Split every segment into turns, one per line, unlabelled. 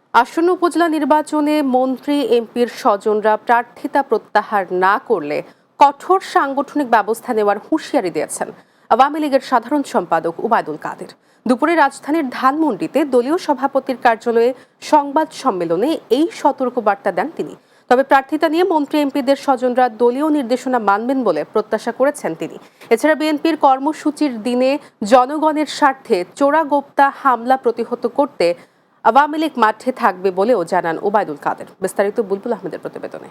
আসন্ন উপজেলা নির্বাচনে মন্ত্রী এমপির স্বজনরা প্রার্থিতা প্রত্যাহার না করলে কঠোর সাংগঠনিক ব্যবস্থা নেওয়ার হুঁশিয়ারি দিয়েছেন আওয়ামী লীগের সাধারণ সম্পাদক ওবায়দুল কাদের। দুপুরে রাজধানীর ধানমন্ডিতে দলীয় সভাপতির কার্যালয়ে সংবাদ সম্মেলনে এই সতর্কবার্তা দেন তিনি। তবে প্রার্থিতা নিয়ে মন্ত্রী এমপিদের স্বজনরা দলীয় নির্দেশনা মানবেন বলে প্রত্যাশা করেছেন তিনি। এছাড়া বিএনপির কর্মসূচির দিনে জনগণের স্বার্থে চোরাগোপ্তা হামলা প্রতিহত করতে আওয়ামী লীগ মাঠে থাকবে বলেও জানান ওবায়দুল কাদের। বিস্তারিত বুলবুল আহমেদের প্রতিবেদনে।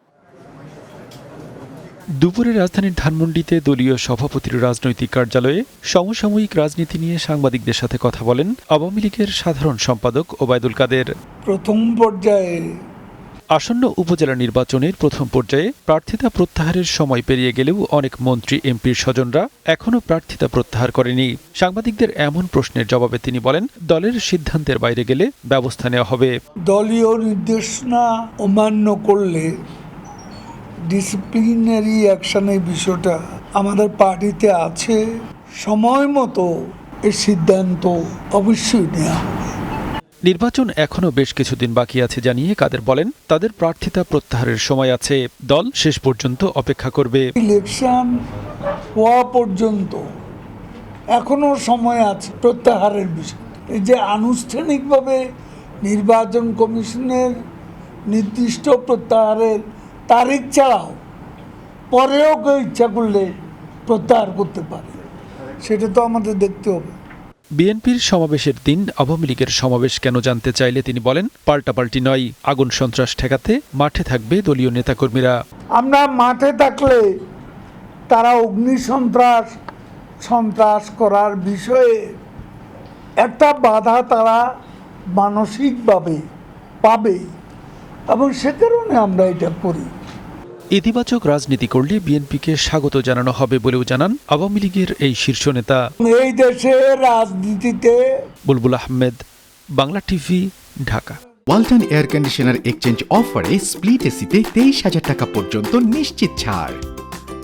দুপুরে রাজধানীর ধানমন্ডিতে দলীয় সভাপতির রাজনৈতিক কার্যালয়ে সমসাময়িক রাজনীতি নিয়ে সাংবাদিকদের সাথে কথা বলেন আওয়ামী লীগের সাধারণ সম্পাদক ওবায়দুল কাদের।
প্রথম পর্যায়ে
আসন্ন উপজেলা নির্বাচনের প্রথম পর্যায়ে প্রার্থিতা প্রত্যাহারের সময় পেরিয়ে গেলেও অনেক মন্ত্রী এমপির স্বজনরা এখনও প্রার্থিতা প্রত্যাহার করেনি। সাংবাদিকদের এমন প্রশ্নের জবাবে তিনি বলেন, দলের সিদ্ধান্তের বাইরে গেলে ব্যবস্থা নেওয়া হবে।
দলীয় নির্দেশনা অমান্য করলে ডিসিপ্লিনারি অ্যাকশনের বিষয়টা আমাদের পার্টিতে আছে। সময় মতো এর সিদ্ধান্ত অবশ্যই নেওয়া হবে।
নির্বাচন এখনও বেশ কিছুদিন বাকি আছে জানিয়ে কাদের বলেন, তাদের প্রার্থিতা প্রত্যাহারের সময় আছে, দল শেষ পর্যন্ত অপেক্ষা করবে।
ইলেকশন হওয়া পর্যন্ত এখনো সময় আছে প্রত্যাহারের বিষয়। এই যে আনুষ্ঠানিকভাবে নির্বাচন কমিশনের নির্দিষ্ট প্রত্যাহারের তারিখ ছাড়াও পরেও কেউ ইচ্ছা করলে প্রত্যাহার করতে পারে, সেটা তো আমাদের দেখতে হবে।
বিএনপির সমাবেশের দিন আওয়ামী লীগের সমাবেশ কেন জানতে চাইলে তিনি বলেন, পাল্টাপাল্টি নয়, আগুন সন্ত্রাস ঠেকাতে মাঠে থাকবে দলীয় নেতাকর্মীরা।
আমরা মাঠে থাকলে তারা অগ্নি সন্ত্রাস করার বিষয়ে একটা বাধা তারা মানসিকভাবে পাবে, এবং সে কারণে আমরা এটা করি।
ইতিবাচক রাজনীতি করলে বিএনপিকে স্বাগত জানানো হবে বলেও জানান আওয়ামী লীগের এই শীর্ষ নেতা।
এই দেশের রাজনীতিতে
Bulbul Ahmed, Bangla TV, Dhaka.
Walton air conditioner exchange অফারে স্প্লিট এসিতে 23,000 টাকা পর্যন্ত নিশ্চিত ছাড়।